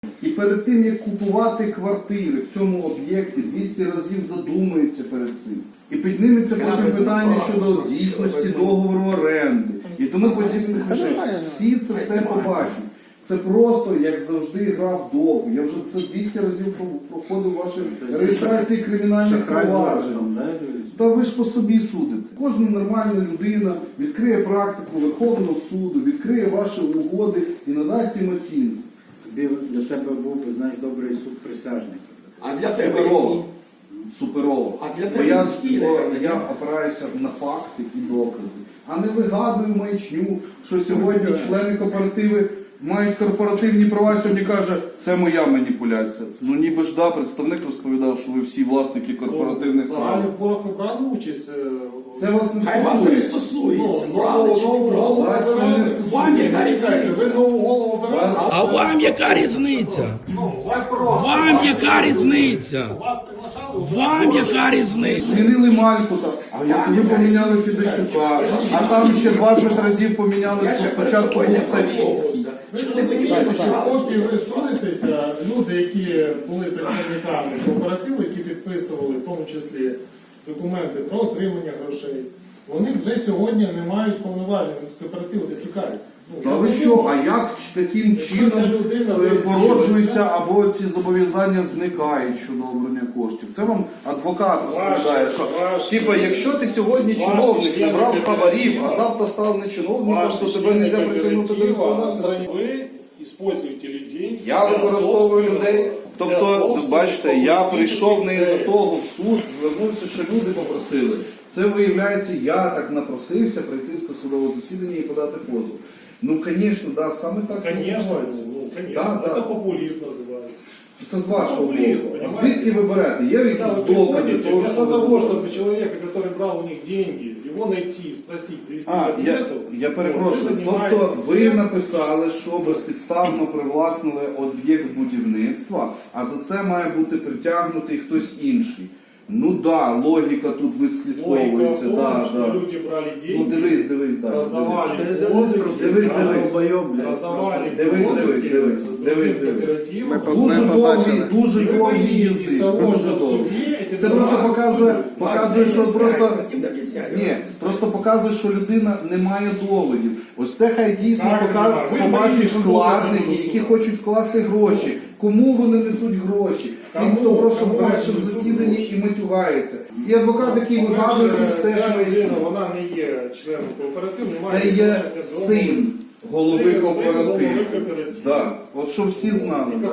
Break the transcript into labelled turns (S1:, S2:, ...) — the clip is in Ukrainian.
S1: І перед тим, як купувати квартири в цьому об'єкті, 200 разів задумається перед цим. І підніметься потім питання щодо дійсності договору оренди. І тому потім всі це все побачать. Це просто, як завжди, гра в довгу. Я вже це 200 разів проходив ваші реєстрації кримінальних проваджень. Та ви ж по собі судите. Кожна нормальна людина відкриє практику Верховного суду, відкриє ваші угоди і надасть їм оцінку.
S2: Для тебе був би, знаєш, добрий суд присяжних.
S3: А для тебе
S1: Суперово. Суперово.
S3: А для
S1: Бо
S3: тебе
S1: я опираюся на факти і докази, а не вигадую маячню, що сьогодні члени кооперативи мають корпоративні права, сьогодні каже, це моя маніпуляція. Ну ніби ж да, представник розповідав, що ви всі власники корпоративних
S4: В
S1: прав.
S4: загальних зборах ви брали участь?
S1: Це вас не
S3: Хай вас не
S1: стосується.
S3: стосується, брали чи не
S4: Нову
S3: брали.
S4: голову
S1: Вас це не
S4: обирали?
S3: Вам яка
S4: Чекайте, ви
S3: різниця?
S4: нову голову обирали?
S5: А вам яка різниця?
S4: Вас просто.
S5: Вам яка різниця?
S4: Вас приглашали?
S5: Вам яка різниця?
S1: Змінили Малькута, а ви поміняли Федосюка, а там ще 20 разів поміняли, що спочатку був Савіцький.
S4: Ви ж розумієте, що поки ви судитеся, люди, які були представниками кооперативу, які підписували в тому числі документи про отримання грошей, вони вже сьогодні не мають повноважень з кооперативу, десь тікають.
S1: Та ви що, а як таким чином породжуються або ці зобов'язання зникають щодо обрання коштів? Це вам адвокат розповідає, що типа, якщо ти сьогодні чиновник не брав хабарів, а завтра став не чиновником, то тебе не можна притягнути до відповідальності.
S4: Ви используете людей.
S1: Я використовую людей. Тобто, бачите, я прийшов не із-за того в суд, звернувся, що люди попросили. Це, виявляється, я так напросився прийти в це судове засідання і подати позов. Ну, звісно, да, саме так.
S4: Конечно,
S1: Да, да.
S4: это популизм называется.
S1: Це з вашого
S4: Популізм,
S1: боку. А
S4: понимаете?
S1: звідки ви берете? Є якісь
S4: Когда вы
S1: докази
S4: приходите,
S1: того,
S4: вместо
S1: що ви
S4: того,
S1: говорите?
S4: чтобы человека, который брал у них деньги, его найти, спросить, привести к
S1: Я
S4: ответу,
S1: перепрошую,
S4: вы
S1: тобто
S4: занимаетесь
S1: ви
S4: тем,
S1: написали, що безпідставно привласнили об'єкт будівництва, а за це має бути притягнутий хтось інший. Ну да, логіка тут
S4: логика в
S1: відслідковується.
S4: том,
S1: Да,
S4: что
S1: да.
S4: люди брали
S1: Ну
S4: деньги,
S1: дивись, да.
S4: раздавали
S1: Дивись.
S4: раздавали
S1: Дивись.
S4: кооперативу.
S1: Дуже довгий язик. Дуже довгий. Це просто показує, що просто... Ні, просто показує, що людина не має доводів. Ось це хай дійсно побачать вкладники, які хочуть вкласти гроші. Кому вони несуть гроші? Тим, хто просто бреше в засіданні і матюгається. І адвокат, який вигадує
S4: Ця
S1: систему.
S4: людина, вона не є членом кооперативу, не має
S1: Це є
S4: відношення до
S1: син голови
S4: Син голови
S1: кооперативу.
S4: кооперативу.
S1: Да. От щоб всі знали.